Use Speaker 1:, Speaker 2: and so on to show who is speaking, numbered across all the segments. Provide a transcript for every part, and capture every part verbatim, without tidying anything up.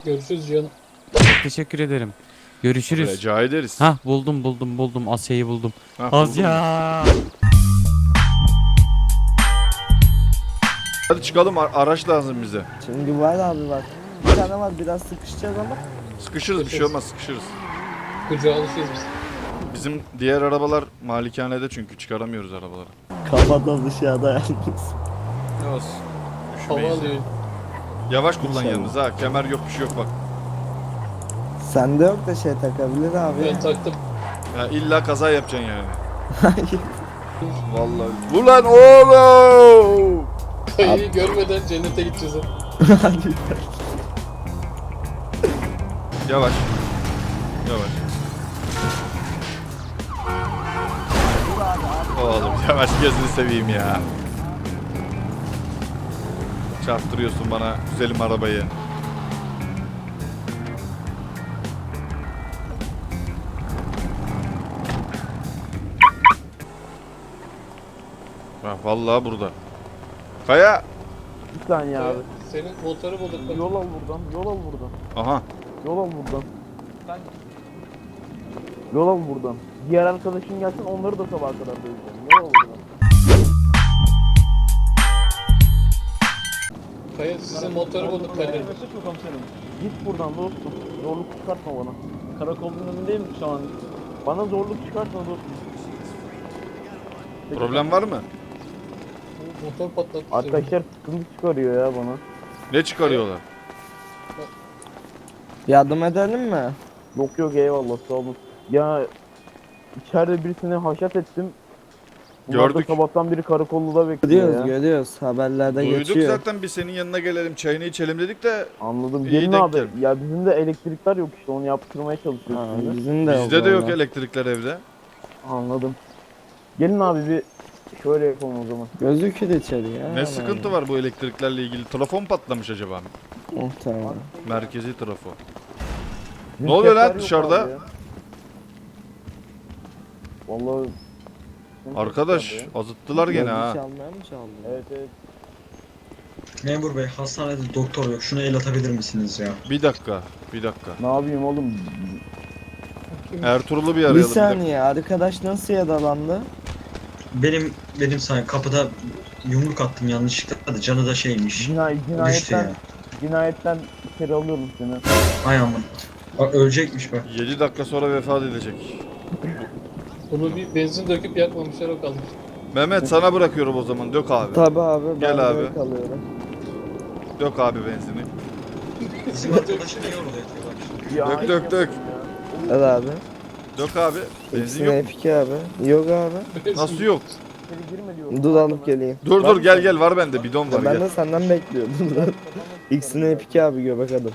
Speaker 1: Görüşürüz canım.
Speaker 2: Teşekkür ederim. Görüşürüz.
Speaker 3: Rica ederiz.
Speaker 2: Hah buldum buldum buldum Asya'yı buldum.
Speaker 3: Ha, buldun mu?
Speaker 2: Asya.
Speaker 3: Hadi çıkalım, ar- araç lazım bize.
Speaker 4: Şimdi var abi bak. Bir tane var, biraz sıkışacağız ama.
Speaker 3: Sıkışırız, bir şey olmaz, sıkışırız.
Speaker 1: Kucağa alışıyoruz biz.
Speaker 3: Bizim diğer arabalar malikanede, çünkü çıkaramıyoruz arabaları.
Speaker 4: Kafadan dışarıda yalnız.
Speaker 3: Ne olsun.
Speaker 1: Hava
Speaker 3: Üşümeyiz.
Speaker 1: alıyor.
Speaker 3: Yavaş kullan
Speaker 4: İnşallah.
Speaker 3: yalnız ha, kemer yok, bir şey yok bak.
Speaker 4: Sende yok da şey takabilir abi.
Speaker 1: Ben taktım.
Speaker 3: Ya illa kaza yapacaksın yani.
Speaker 4: Hayır.
Speaker 3: Vallahi. Ulan oğlum!
Speaker 1: Kayıyı görmeden cennete gideceğiz. ha.
Speaker 4: Hadi.
Speaker 3: Yavaş. Yavaş. Oğlum yavaş, gözünü seveyim ya. Çarptırıyorsun bana güzelim arabayı. Ha, vallahi burada. Kaya.
Speaker 5: Bir saniye abi.
Speaker 1: Senin motoru bulduk. bak.
Speaker 5: Yol al buradan, yol al buradan.
Speaker 3: Aha.
Speaker 5: Yol al buradan. Yol al buradan. Diğer arkadaşın gelsin, onları da sabaha kadar döveceğim. Yol al buradan.
Speaker 1: Kaya sizin motoru bulduk Kadir.
Speaker 5: Git buradan dostum. Zorluk çıkartma bana. Karakolun önündeyim şu an. Bana zorluk çıkartma dostum.
Speaker 3: Problem var mı?
Speaker 1: Motor patlattı.
Speaker 5: Arkadaşlar sıkıntı çıkarıyor ya bana.
Speaker 3: Ne çıkarıyorlar?
Speaker 4: Yardım edelim mi?
Speaker 5: Yok yok eyvallah sağ olun. Ya içeride birisini haşat ettim. Bunlar
Speaker 3: Gördük.
Speaker 5: da sabahtan beri karakolluda bekliyor
Speaker 4: Görüyoruz
Speaker 5: ya.
Speaker 4: görüyoruz. Haberlerde
Speaker 3: Duyduk
Speaker 4: geçiyor.
Speaker 3: zaten, biz senin yanına gelelim, çayını içelim dedik de
Speaker 5: Anladım.
Speaker 3: İyi
Speaker 5: Gelin
Speaker 3: denk
Speaker 5: abi.
Speaker 3: geldi.
Speaker 5: Ya bizim de elektrikler yok işte, onu yaptırmaya çalışıyoruz
Speaker 4: Ha,
Speaker 5: şimdi.
Speaker 4: bizim de
Speaker 3: bizde de yok
Speaker 4: vallahi.
Speaker 3: elektrikler evde.
Speaker 5: Anladım. Gelin abi bir şöyle yapalım o zaman.
Speaker 4: Gözükür içeri ya.
Speaker 3: Ne sıkıntı var bu elektriklerle ilgili? Telefon patlamış acaba?
Speaker 4: Muhtemelen.
Speaker 3: Merkezi trafo.
Speaker 5: Bizim
Speaker 3: Ne oluyor lan
Speaker 5: şefler yok
Speaker 3: dışarıda?
Speaker 5: abi ya. Vallahi bizim
Speaker 3: Arkadaş
Speaker 5: şefler ya.
Speaker 3: azıttılar gene
Speaker 4: Gözü
Speaker 3: ha.
Speaker 4: çalmaya mı çaldı?
Speaker 5: Evet evet.
Speaker 6: Memur bey, hastanede doktor yok. Şuna el atabilir misiniz ya?
Speaker 3: Bir dakika, bir dakika.
Speaker 5: Ne yapayım oğlum?
Speaker 3: Ertuğrul'u bir
Speaker 4: Bir
Speaker 3: arayalım. Bir dakika.
Speaker 4: saniye, arkadaş nasıl yaralandı?
Speaker 6: Benim benim sayem kapıda yumruk attım yanlışlıkla da canı da şeymiş.
Speaker 5: Cinay
Speaker 6: Düştü
Speaker 5: cinayetten
Speaker 6: ya.
Speaker 5: cinayetten içeri alıyorum seni.
Speaker 6: Ay aman. Bak ölecekmiş bak.
Speaker 3: yedi dakika sonra vefat edecek.
Speaker 1: Bunu bir benzin döküp yakmamışlar, o kalmış.
Speaker 3: Mehmet sana bırakıyorum o zaman. Dök abi.
Speaker 4: Tabi abi, ben
Speaker 3: Gel
Speaker 4: de
Speaker 3: abi.
Speaker 4: kalıyorum.
Speaker 3: Dök abi benzini.
Speaker 6: Bizim arkadaşı niye orada yatıyor bak şimdi.
Speaker 5: Ya,
Speaker 3: Dök,
Speaker 5: ay
Speaker 3: dök, dök.
Speaker 5: yapayım ya.
Speaker 4: Evet abi.
Speaker 3: Dök abi. Benzin
Speaker 4: İkisine
Speaker 3: yok mu?
Speaker 4: epik abi. Yok abi.
Speaker 3: Nasıl yok?
Speaker 5: İçeri girme diyorum.
Speaker 4: Dur alıp geleyim.
Speaker 3: Dur
Speaker 4: Var
Speaker 3: dur
Speaker 4: mı
Speaker 3: gel
Speaker 4: sende?
Speaker 3: gel, var bende bidon var
Speaker 4: Ya ben
Speaker 3: gel.
Speaker 4: de senden bekliyordum. İkisine epik abi, göbek adım.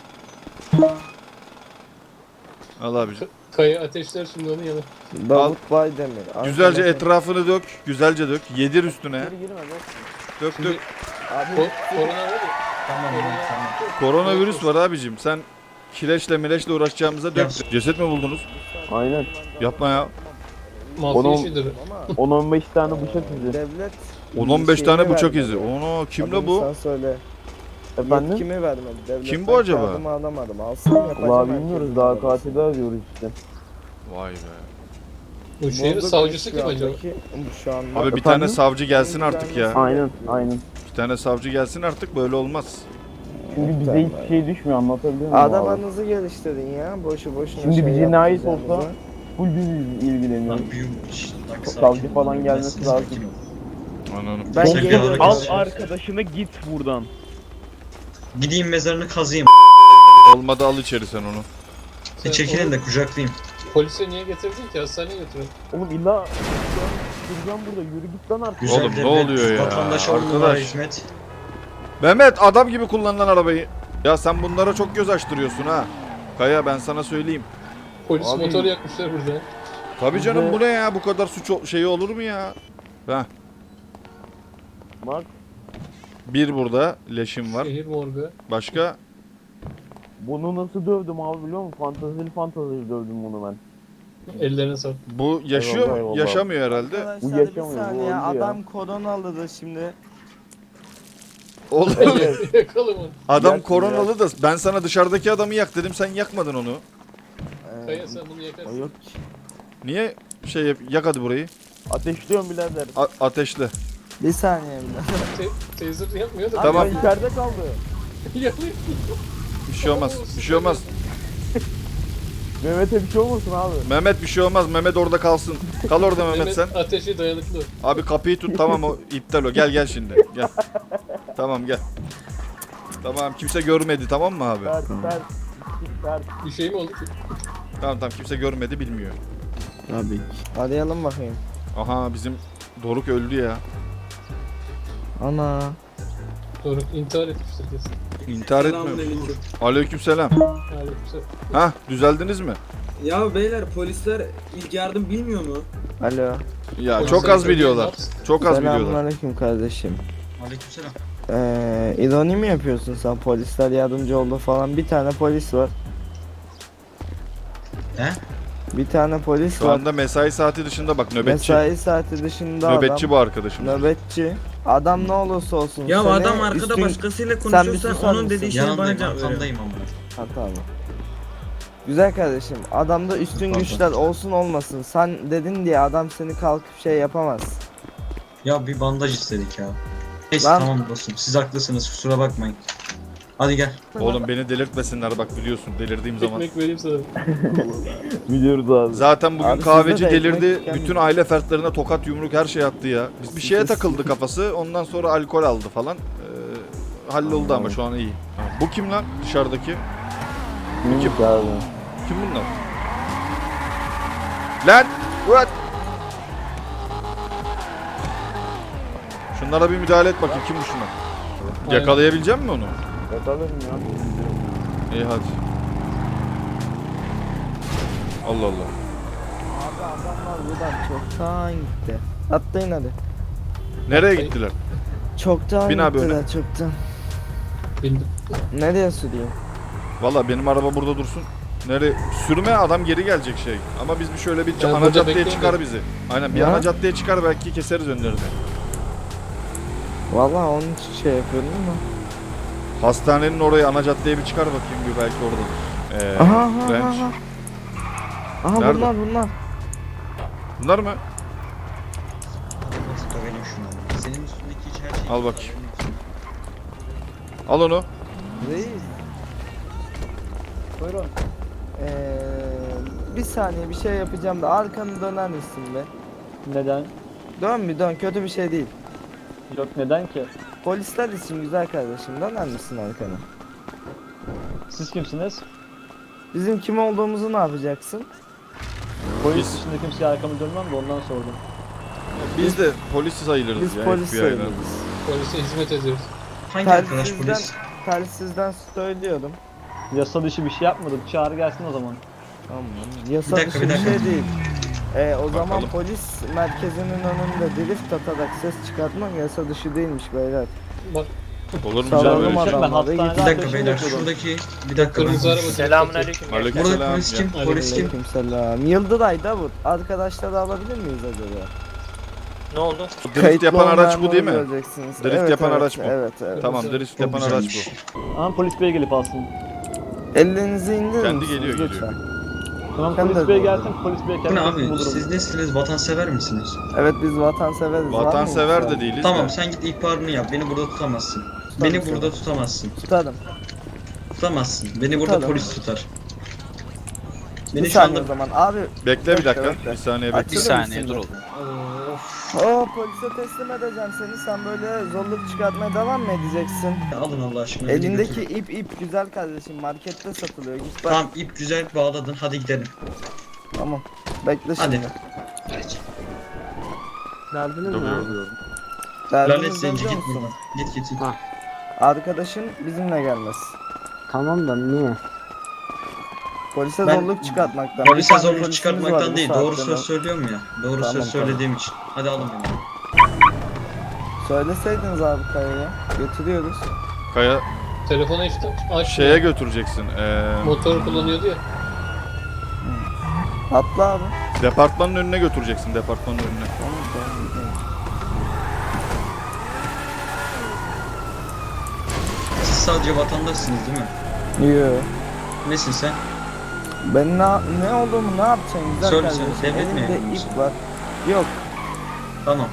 Speaker 3: Al abicim.
Speaker 1: Kaya ateşler şimdi onu yanı.
Speaker 4: Davut Baydemir.
Speaker 3: Güzelce
Speaker 4: Arkadaşım-
Speaker 3: etrafını dök. Güzelce dök. Yedir üstüne.
Speaker 5: İçeri girme dostum.
Speaker 3: Dök dök.
Speaker 4: Abi
Speaker 1: Ko korona var ya.
Speaker 6: Tamam tamam.
Speaker 3: Koronavirüs var abicim. Sen kireçle mireçle uğraşacağımıza dök.
Speaker 6: Ya.
Speaker 3: Ceset mi buldunuz?
Speaker 5: Aynen.
Speaker 3: Yapma ya.
Speaker 1: Mafya
Speaker 5: Onu-
Speaker 1: işidir.
Speaker 5: on on beş tane bıçak izi.
Speaker 4: devlet
Speaker 3: on on beş tane
Speaker 4: şeyini
Speaker 3: bıçak
Speaker 4: vermedi.
Speaker 3: izi. Ono kimle
Speaker 4: Adını
Speaker 3: bu?
Speaker 4: Sen söyle.
Speaker 5: Efendim?
Speaker 4: Yetkimi vermedi. Devletten
Speaker 3: Kim bu acaba?
Speaker 4: kağıdımı alamadım. Alsam yapacağım.
Speaker 5: Vallahi
Speaker 4: herkesin
Speaker 5: bilmiyoruz, daha
Speaker 4: arabasını.
Speaker 5: katili arıyoruz işte.
Speaker 3: Vay be.
Speaker 1: Bu şehrin
Speaker 4: Bozuk
Speaker 1: savcısı
Speaker 4: şu
Speaker 1: kim acaba?
Speaker 4: andaki- Bu şu anda.
Speaker 3: Abi bir
Speaker 5: Efendim?
Speaker 3: tane savcı gelsin artık ya.
Speaker 5: Aynen aynen.
Speaker 3: Bir tane savcı gelsin artık, böyle olmaz.
Speaker 5: Şimdi bize hiçbir şey düşmüyor, anlatabiliyor muyum abi?
Speaker 4: Adamanızı geliştirin ya. Boşu boşuna
Speaker 5: Şimdi
Speaker 4: şey
Speaker 5: bir cinayet
Speaker 4: yapmayacağınızı.
Speaker 5: olsa full biz ilgileniyoruz.
Speaker 6: Lan büyüm. şşt, bak, sakin
Speaker 5: Savcı
Speaker 6: ol,
Speaker 5: falan
Speaker 6: lan,
Speaker 5: gelmesi
Speaker 6: sakin
Speaker 5: lazım.
Speaker 6: ol.
Speaker 3: Anladım.
Speaker 4: Ben
Speaker 6: Sen
Speaker 4: geliyorum.
Speaker 6: bir
Speaker 5: Al
Speaker 6: arkadaş-
Speaker 5: arkadaşını git buradan.
Speaker 6: Gideyim mezarını kazıyım.
Speaker 3: Olmadı, al içeri sen onu.
Speaker 6: Bir çekilin de kucaklayayım.
Speaker 1: Polise niye getirdin ki? Hastaneye götürün.
Speaker 5: Oğlum illa duracağım burada, yürü git lan artık.
Speaker 6: Güzel
Speaker 3: Oğlum, ne
Speaker 6: devlet,
Speaker 3: oluyor ya?
Speaker 6: Vatandaşa on numara
Speaker 3: Arkadaş.
Speaker 6: hizmet.
Speaker 3: Mehmet, adam gibi kullanılan arabayı. Ya sen bunlara çok göz açtırıyorsun ha. Kaya, ben sana söyleyeyim.
Speaker 1: Polis
Speaker 5: Abi-
Speaker 1: motoru yakmışlar burada.
Speaker 3: Tabii canım,
Speaker 5: Bize-
Speaker 3: bu ne ya? Bu kadar suç ol- şeyi olur mu ya? Heh.
Speaker 5: Bak
Speaker 3: Bir burada leşim var.
Speaker 1: Şehir morgu.
Speaker 3: Başka?
Speaker 5: bunu nasıl dövdüm abi biliyor musun? Fantazili fantazili dövdüm bunu ben.
Speaker 1: Ellerine sağlık.
Speaker 3: Bu yaşıyor
Speaker 5: Eyvallah,
Speaker 3: mu?
Speaker 5: eyvallah.
Speaker 3: Yaşamıyor herhalde.
Speaker 4: Arkadaşlar
Speaker 5: Bu
Speaker 4: bir
Speaker 5: yaşamıyor, bu
Speaker 4: saniye.
Speaker 5: öldü ya.
Speaker 4: Adam koronalıdır şimdi.
Speaker 3: Oğlum
Speaker 1: Yakalım onu.
Speaker 3: adam
Speaker 4: Yak,
Speaker 3: koronalı da ben sana dışarıdaki adamı yak dedim, sen yakmadın onu.
Speaker 4: Ee,
Speaker 1: Kaya sen bunu
Speaker 4: o
Speaker 1: yakarsın.
Speaker 4: yok ki.
Speaker 3: Niye şey yap, yak hadi burayı.
Speaker 5: Ateşliyorum birader.
Speaker 3: A- ateşle.
Speaker 4: Bir saniye bile.
Speaker 1: Te taser yapmıyor da.
Speaker 3: Tamam.
Speaker 5: Abi içeride kaldı.
Speaker 1: Yakıyor.
Speaker 3: Bir şey olmaz. Bir şey olmaz.
Speaker 5: Mehmet'e bir şey olmasın abi.
Speaker 3: Mehmet bir şey olmaz. Mehmet orada kalsın. Kal orada Mehmet sen.
Speaker 1: Ateşe dayanıklı.
Speaker 3: Abi kapıyı tut, tamam o iptal o. Gel gel şimdi. Gel. Tamam gel. Tamam kimse görmedi, tamam mı abi?
Speaker 5: Ters ters. Ters.
Speaker 1: Bir şey mi oldu ki?
Speaker 3: Tamam tamam kimse görmedi, bilmiyor.
Speaker 4: Tabii ki. Arayalım bakayım.
Speaker 3: Aha bizim Doruk öldü ya.
Speaker 4: Ana.
Speaker 1: Doğru intihar etmiştir kesin.
Speaker 3: İntihar etmiyor.
Speaker 7: Selamünaleyküm.
Speaker 3: Aleykümselam.
Speaker 1: Aleykümselam.
Speaker 3: Hah düzeldiniz mi?
Speaker 7: Ya beyler polisler ilk yardım bilmiyor mu?
Speaker 4: Alo.
Speaker 3: Ya çok az biliyorlar. Çok az biliyorlar.
Speaker 4: Selamünaleyküm kardeşim.
Speaker 6: Aleykümselam.
Speaker 4: Ee, ironi mi yapıyorsun sen? Polisler yardımcı oldu falan. Bir tane polis var.
Speaker 6: He?
Speaker 4: Bir tane polis
Speaker 3: Şu
Speaker 4: var.
Speaker 3: anda mesai saati dışında bak, nöbetçi.
Speaker 4: Mesai saati dışında
Speaker 3: Nöbetçi
Speaker 4: adam.
Speaker 3: bu arkadaşımız.
Speaker 4: Nöbetçi. Adam ne olursa olsun.
Speaker 7: Ya
Speaker 4: seni
Speaker 7: adam arkada
Speaker 4: üstün-
Speaker 7: başkasıyla
Speaker 4: Sen bir
Speaker 7: konuşuyorsan
Speaker 4: susar
Speaker 7: onun
Speaker 4: mısın?
Speaker 7: dediği şeyi bana
Speaker 6: Yanındayım,
Speaker 7: cevap veriyor.
Speaker 6: arkandayım ama.
Speaker 4: Ha tamam. Güzel kardeşim. Adamda üstün
Speaker 6: Pardon.
Speaker 4: güçler olsun olmasın. Sen dedin diye adam seni kalkıp şey yapamaz.
Speaker 6: Ya bir bandaj istedik ya. Neyse
Speaker 4: Lan.
Speaker 6: tamam dostum, siz haklısınız, kusura bakmayın. Hadi gel.
Speaker 3: Oğlum beni delirtmesinler bak, biliyorsun delirdiğim zaman.
Speaker 1: Ekmek vereyim sana.
Speaker 5: Biliyoruz abi.
Speaker 3: Zaten bugün
Speaker 4: Abi
Speaker 3: kahveci
Speaker 4: sizde de
Speaker 3: delirdi.
Speaker 4: ekmek gelmiyor.
Speaker 3: Bütün aile fertlerine tokat yumruk her şey attı ya. Biz bir şeye
Speaker 4: Sizde-
Speaker 3: takıldı kafası. Ondan sonra alkol aldı falan. Ee, halloldu ama şu an iyi. Bu kim lan dışarıdaki?
Speaker 5: Kim abi?
Speaker 3: Kim bunlar? Lan! What? Şunlara bir müdahale et bakayım, kim bu şunlar?
Speaker 1: Aynen.
Speaker 3: Yakalayabilecek misin onu?
Speaker 5: Yakalarım ya.
Speaker 3: İyi hadi. Allah Allah.
Speaker 4: Abi adamlar buradan çoktan gitti. Atlayın hadi.
Speaker 3: Nereye gittiler?
Speaker 4: Çoktan
Speaker 3: Bin abi
Speaker 4: gittiler çoktan.
Speaker 1: Bildim.
Speaker 4: Nereye süreyim?
Speaker 3: Valla benim araba burada dursun. Nereye? Sürme, adam geri gelecek şey. Ama biz bir şöyle bir
Speaker 1: Ben
Speaker 3: ana
Speaker 1: burada
Speaker 3: caddeye
Speaker 1: bekleyin
Speaker 3: çıkar
Speaker 1: de.
Speaker 3: bizi. Aynen bir
Speaker 4: Ya.
Speaker 3: ana caddeye çıkar, belki keseriz önlerini.
Speaker 4: Vallahi onun için şey yapıyorum ama.
Speaker 3: Hastanenin oraya, ana caddeye bir çıkar bakayım, bir belki orada. Ee,
Speaker 4: Aha aha
Speaker 3: Ranch.
Speaker 4: aha. Aha
Speaker 3: Nerede?
Speaker 4: bunlar bunlar.
Speaker 3: Bunlar mı?
Speaker 6: Dövelim şunu. Senin üstündeki hiç her şey.
Speaker 3: Al bakayım. Al onu.
Speaker 4: Reis.
Speaker 5: Buyurun.
Speaker 4: Ee, bir saniye bir şey yapacağım da arkanı döner misin be?
Speaker 5: Neden?
Speaker 4: Dön bir dön, kötü bir şey değil.
Speaker 5: Yok neden ki?
Speaker 4: Polisler için güzel kardeşim, döner misin arkanı?
Speaker 5: Siz kimsiniz?
Speaker 4: Bizim kim olduğumuzu ne yapacaksın?
Speaker 5: Polis
Speaker 3: Biz-
Speaker 5: dışında kimseye arkamı dönmem de ondan sordum.
Speaker 3: Biz de polis sayılırız
Speaker 4: Biz
Speaker 3: ya.
Speaker 4: polis
Speaker 3: F B I'den.
Speaker 4: sayılırız.
Speaker 1: Polise hizmet ediyoruz.
Speaker 6: Hangi arkadaş
Speaker 4: Telsizden,
Speaker 6: polis?
Speaker 4: telsizden söylüyorum.
Speaker 5: Yasa dışı bir şey yapmadık. Çağır gelsin o zaman.
Speaker 4: Tamam. Yasa
Speaker 6: Bir dakika,
Speaker 4: dışı
Speaker 6: bir
Speaker 4: bir
Speaker 6: dakika.
Speaker 4: şey değil. Ee, o zaman
Speaker 3: Bakalım.
Speaker 4: polis merkezinin önünde drift atarak ses çıkartmak yasa dışı değilmiş beyler.
Speaker 1: Bak
Speaker 3: Olur mu
Speaker 4: Sağ
Speaker 3: canım
Speaker 4: olun
Speaker 3: öyle
Speaker 4: adam.
Speaker 3: şey?
Speaker 5: Ben
Speaker 4: adamları
Speaker 5: hastanede
Speaker 6: Bir dakika
Speaker 5: ateşini
Speaker 6: beyler,
Speaker 5: yapıyordum.
Speaker 6: şuradaki bir dakika.
Speaker 1: kırmızı
Speaker 6: ben-
Speaker 1: araba.
Speaker 8: Selamünaleyküm.
Speaker 6: Burada
Speaker 3: Aleykümselam.
Speaker 6: polis kim?
Speaker 3: Ya.
Speaker 6: Polis kim?
Speaker 4: Aleykümselam. Yıldıray Davut. Arkadaşları alabilir miyiz acaba?
Speaker 8: Ne oldu?
Speaker 3: Drift
Speaker 4: Kayıtlı
Speaker 3: yapan araç bu
Speaker 4: olmayanları
Speaker 3: değil mi?
Speaker 4: göreceksiniz.
Speaker 3: Drift
Speaker 4: Evet,
Speaker 3: yapan
Speaker 4: evet,
Speaker 3: araç bu.
Speaker 4: Evet evet.
Speaker 3: Tamam, drift
Speaker 6: Çok
Speaker 3: yapan araç
Speaker 6: güzelmiş.
Speaker 3: bu.
Speaker 5: Ama polis bey gelip alsın.
Speaker 4: Ellerinizi indirin
Speaker 3: Kendi
Speaker 4: misiniz
Speaker 3: geliyor,
Speaker 4: lütfen?
Speaker 3: geliyor.
Speaker 5: Tamam
Speaker 4: Ben de
Speaker 5: polis bey
Speaker 4: doğru.
Speaker 5: gelsin. Polis bey
Speaker 6: Bu
Speaker 5: kendi
Speaker 6: ne
Speaker 5: bulur
Speaker 6: abi?
Speaker 5: onu.
Speaker 6: Siz nesiniz? Vatansever misiniz?
Speaker 4: Evet biz vatanseveriz. Var mı
Speaker 3: Vatansever
Speaker 4: yoksa?
Speaker 3: de değiliz
Speaker 6: Tamam,
Speaker 3: de.
Speaker 6: sen git ihbarını yap. Beni burada tutamazsın.
Speaker 4: Tutarım
Speaker 6: Beni
Speaker 4: seni.
Speaker 6: burada tutamazsın.
Speaker 4: Tutarım.
Speaker 6: Tutamazsın. Beni burada
Speaker 4: Tutarım.
Speaker 6: polis tutar.
Speaker 4: Bir
Speaker 6: Beni şu
Speaker 4: saniye
Speaker 6: anda
Speaker 4: o zaman. Abi
Speaker 3: Bekle bir
Speaker 4: Bekle,
Speaker 3: dakika.
Speaker 4: bekle.
Speaker 3: Bir saniye
Speaker 4: Açılır
Speaker 3: bekle.
Speaker 8: Bir saniye,
Speaker 4: mısın
Speaker 8: dur
Speaker 4: be?
Speaker 8: oğlum.
Speaker 4: Oo polise teslim edeceğim seni. Sen böyle zorluk çıkartmaya devam mı edeceksin?
Speaker 6: alın Allah aşkına. beni
Speaker 4: Elindeki
Speaker 6: götürün.
Speaker 4: ip ip güzel kardeşim. Markette satılıyor. Git bak.
Speaker 6: Tamam, ip güzel bağladın. Hadi gidelim.
Speaker 4: Tamam. Bekle
Speaker 6: Hadi.
Speaker 4: şimdi.
Speaker 8: Derdiniz
Speaker 3: Dur,
Speaker 8: ne?
Speaker 3: dur, dur.
Speaker 6: Lanet
Speaker 4: Derdiniz
Speaker 6: zenci,
Speaker 4: biliyor
Speaker 6: git
Speaker 4: musun?
Speaker 6: buradan. Git git git.
Speaker 8: Ha.
Speaker 4: Arkadaşın bizimle gelmez.
Speaker 8: Tamam da niye?
Speaker 4: Polise
Speaker 6: Ben-
Speaker 4: zorluk çıkartmaktan. Bir
Speaker 6: Polise
Speaker 4: tane
Speaker 6: zorluk
Speaker 4: polisimiz var
Speaker 6: çıkartmaktan
Speaker 4: bu
Speaker 6: değil. Doğru
Speaker 4: saatte.
Speaker 6: söz söylüyorum ya. Doğru
Speaker 4: Tamam,
Speaker 6: söz
Speaker 4: tamam.
Speaker 6: söylediğim için. Hadi alın beni.
Speaker 4: Söyleseydiniz abi Kaya'ya. Götürüyoruz.
Speaker 3: Kaya
Speaker 1: Telefonu işte aç.
Speaker 3: şeye götüreceksin. Ee,
Speaker 1: Motor kullanıyordu ya.
Speaker 4: Atla abi.
Speaker 3: departmanın önüne götüreceksin. Departmanın önüne.
Speaker 4: Tamam tamam. gidelim.
Speaker 6: sadece vatandaşsınız değil mi?
Speaker 4: Yo.
Speaker 6: Nesin sen?
Speaker 4: Ben ne, ne olduğumu ne yapacaksın güzel
Speaker 6: Söyle,
Speaker 4: kardeşim?
Speaker 6: söyle, devlet
Speaker 4: Elimde
Speaker 6: memuru musun?
Speaker 4: ip var. Yok.
Speaker 6: Tamam.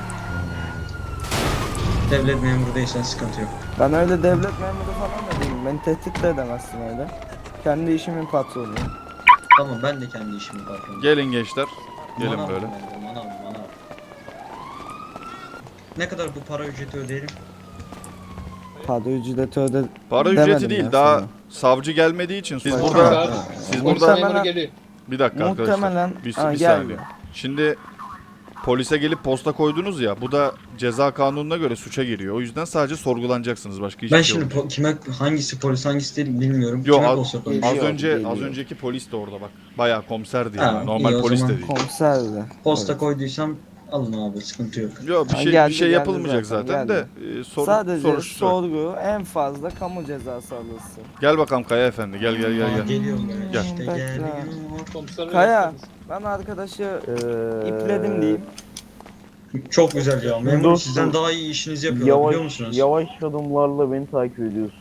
Speaker 6: Devlet memuru değilsen sıkıntı yok.
Speaker 4: Ben öyle devlet memuru falan da değilim. Beni tehdit de edemezsin öyle. Kendi işimin patronuyum.
Speaker 6: Tamam ben de kendi işimi patronum.
Speaker 3: Gelin gençler. Gelin
Speaker 6: Manav
Speaker 3: böyle.
Speaker 6: ben de, manav, manav. Ne kadar bu para ücreti ödeyelim?
Speaker 4: Para ücreti öde...
Speaker 3: Para
Speaker 4: Demedim
Speaker 3: ücreti değil.
Speaker 4: ya
Speaker 3: Daha
Speaker 4: sana.
Speaker 3: savcı gelmediği için siz
Speaker 4: Tamam.
Speaker 3: burada
Speaker 1: Saat,
Speaker 3: siz
Speaker 1: polis
Speaker 3: burada
Speaker 1: memuru geliyor.
Speaker 3: bir dakika arkadaşlar.
Speaker 4: Muhtemelen...
Speaker 3: Bir,
Speaker 4: Ha,
Speaker 3: bir
Speaker 4: gel.
Speaker 3: saniye. Şimdi polise gelip posta koydunuz ya. Bu da ceza kanununa göre suça giriyor. O yüzden sadece sorgulanacaksınız. Başka hiçbir
Speaker 6: Ben
Speaker 3: şey
Speaker 6: şimdi
Speaker 3: yok.
Speaker 6: po- kime hangisi polis hangisi değil bilmiyorum.
Speaker 3: Yo,
Speaker 6: Kime
Speaker 3: az-
Speaker 6: posta
Speaker 3: Az
Speaker 6: koymuş?
Speaker 4: Geliyor,
Speaker 3: önce
Speaker 4: geliyor.
Speaker 3: az önceki polis de orada bak. Bayağı komiserdi
Speaker 6: Ha,
Speaker 3: yani. Normal
Speaker 6: iyi o
Speaker 3: polis de
Speaker 6: zaman.
Speaker 3: değil.
Speaker 4: Komiserdi.
Speaker 6: Posta
Speaker 4: Evet.
Speaker 6: koyduysam alın abi sıkıntı yok.
Speaker 3: Yok bir
Speaker 4: Ha,
Speaker 3: şey
Speaker 4: geldi,
Speaker 3: bir şey
Speaker 4: geldi
Speaker 3: yapılmayacak
Speaker 4: zaten,
Speaker 3: zaten,
Speaker 4: geldi.
Speaker 3: de e, soru,
Speaker 4: Sadece
Speaker 3: soruştur.
Speaker 4: sorgu en fazla kamu cezası alırsın.
Speaker 3: Gel bakalım Kaya efendi. Gel gel gel
Speaker 6: Aa,
Speaker 3: gel.
Speaker 6: Geliyorum ben
Speaker 3: Gel.
Speaker 6: işte
Speaker 4: Bekle.
Speaker 6: geliyor.
Speaker 1: Komiser
Speaker 4: Kaya,
Speaker 1: bey,
Speaker 4: ben arkadaşı
Speaker 5: Ee,
Speaker 4: ipledim diyeyim.
Speaker 6: Çok güzel ya. Memur
Speaker 5: Dostum,
Speaker 6: sizden daha iyi işinizi yapıyorlar
Speaker 5: Yavaş,
Speaker 6: biliyor musunuz?
Speaker 5: yavaş adımlarla beni takip ediyorsun.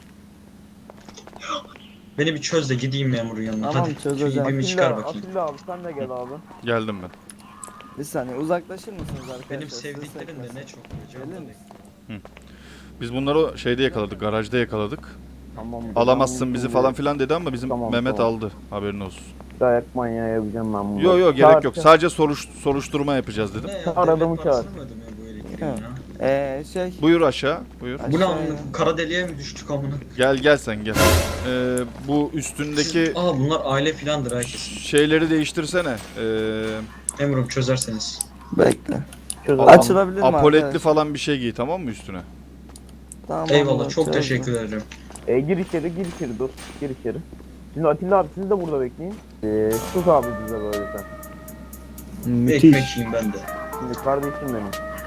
Speaker 6: Beni bir çöz de gideyim memurun yanına.
Speaker 4: Tamam,
Speaker 6: Hadi. Şu
Speaker 4: çözeceğim.
Speaker 6: ipimi çıkar
Speaker 5: Atilla,
Speaker 6: bakayım.
Speaker 5: Atilla abi sen de gel abi.
Speaker 3: Geldim ben.
Speaker 4: Bir saniye uzaklaşır mısınız arkadaşlar?
Speaker 6: Benim
Speaker 4: Size
Speaker 6: sevdiklerim de
Speaker 4: sekmesin.
Speaker 6: ne çok.
Speaker 4: Gelir
Speaker 6: Canım.
Speaker 4: misin?
Speaker 3: Biz bunları şeyde yakaladık. Garajda yakaladık.
Speaker 5: Tamam.
Speaker 3: Alamazsın bizi falan filan dedi ama bizim
Speaker 5: Tamam,
Speaker 3: Mehmet
Speaker 5: tamam.
Speaker 3: aldı. Haberin olsun.
Speaker 5: Dayak manyağı yapacağım ben bunu.
Speaker 3: Yo yo gerek yok. Sadece soruş, soruşturma yapacağız dedim.
Speaker 6: Ne ya?
Speaker 5: Çağır adamı
Speaker 6: Devlet
Speaker 5: çağır.
Speaker 6: parasını mı ödemiyor bu elektriğin
Speaker 4: Evet.
Speaker 6: ya?
Speaker 4: Ee, şey...
Speaker 3: Buyur aşağı. Buyur.
Speaker 6: Bu ne
Speaker 4: Aşağıya.
Speaker 6: amına? Kara deliğe mi düştük amına?
Speaker 3: Gel gel sen gel. Ee, bu üstündeki
Speaker 6: Aa bunlar aile filandır herkesin.
Speaker 3: şeyleri değiştirsene. Ee,
Speaker 6: Memurum çözerseniz.
Speaker 4: Bekle.
Speaker 5: Çöz
Speaker 3: Aa,
Speaker 5: adam.
Speaker 4: Açılabilir mi
Speaker 3: apoletli
Speaker 4: arkadaş?
Speaker 3: falan bir şey giy tamam mı üstüne?
Speaker 4: Tamam,
Speaker 6: Eyvallah çok
Speaker 4: çözdüm.
Speaker 6: teşekkür ederim.
Speaker 5: E, gir içeri, gir içeri dur. Gir içeri. Şimdi Atilla abi siz de burada bekleyin. Ee, sus abi bize böyle sen.
Speaker 6: Bir
Speaker 4: Müthiş.
Speaker 6: ekmek yiyeyim ben de.
Speaker 5: Şimdi kardeşim benim.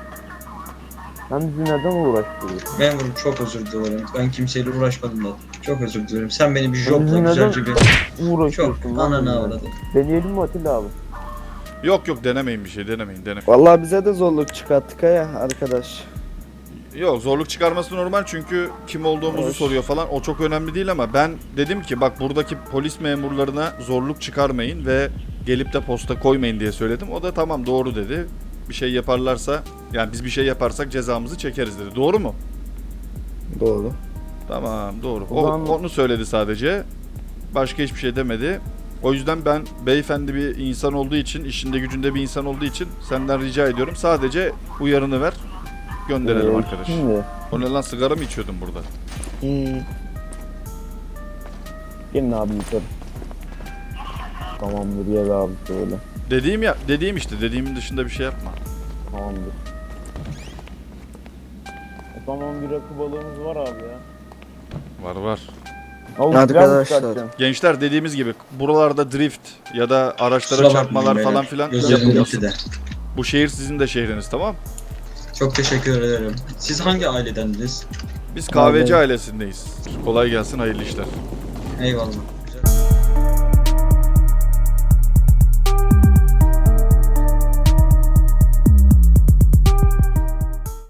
Speaker 5: Sen bizi neden uğraştırıyorsun?
Speaker 6: Memurum çok özür dilerim. Ben kimseyle uğraşmadım da. Çok özür dilerim. Sen beni bir
Speaker 5: Bizi
Speaker 6: jobla
Speaker 5: neden
Speaker 6: güzelce bir...
Speaker 5: uğraşıyorsun?
Speaker 6: Çok
Speaker 5: lan
Speaker 6: ananı
Speaker 5: bizimle?
Speaker 6: avradım.
Speaker 5: Deneyelim mi Atilla abi?
Speaker 3: Yok yok denemeyin bir şey denemeyin denemeyin.
Speaker 4: Vallahi bize de zorluk çıkarttık ha ya arkadaş.
Speaker 3: Yok zorluk çıkarması normal çünkü kim olduğumuzu
Speaker 4: Evet.
Speaker 3: soruyor falan o çok önemli değil ama ben dedim ki bak buradaki polis memurlarına zorluk çıkarmayın ve gelip de posta koymayın diye söyledim. O da tamam doğru dedi. Bir şey yaparlarsa yani biz bir şey yaparsak cezamızı çekeriz dedi. Doğru mu?
Speaker 4: Doğru.
Speaker 3: Tamam doğru. O,
Speaker 5: O zaman-
Speaker 3: onu söyledi sadece. Başka hiçbir şey demedi. O yüzden ben beyefendi bir insan olduğu için, işinde gücünde bir insan olduğu için senden rica ediyorum. Sadece uyarını ver. Gönderelim
Speaker 5: Ee,
Speaker 3: arkadaş.
Speaker 5: Şimdi
Speaker 3: O ne lan sigara mı içiyordun burada?
Speaker 4: Hmm.
Speaker 5: gelin abi yukarı. Tamamdır gel abi şöyle.
Speaker 3: Dediğim ya, dediğim işte. Dediğimin dışında bir şey yapma.
Speaker 5: Tamamdır. O zaman bir rakı balığımız var abi ya.
Speaker 3: Var var.
Speaker 5: Abi,
Speaker 4: Hadi
Speaker 5: biraz mı
Speaker 4: arkadaşlar.
Speaker 5: çıkartacaksın?
Speaker 3: Gençler dediğimiz gibi buralarda drift ya da araçlara
Speaker 6: Kusura
Speaker 3: çarpmalar
Speaker 6: bakmayın
Speaker 3: falan
Speaker 6: beyler.
Speaker 3: filan
Speaker 6: Gözlerim
Speaker 3: yapılmasın.
Speaker 6: gitti de.
Speaker 3: Bu şehir sizin de şehriniz tamam?
Speaker 6: Çok teşekkür ederim. Siz hangi ailedendiniz?
Speaker 3: Biz kahveci ailesindeyiz. Kolay gelsin hayırlı işler.
Speaker 6: Eyvallah.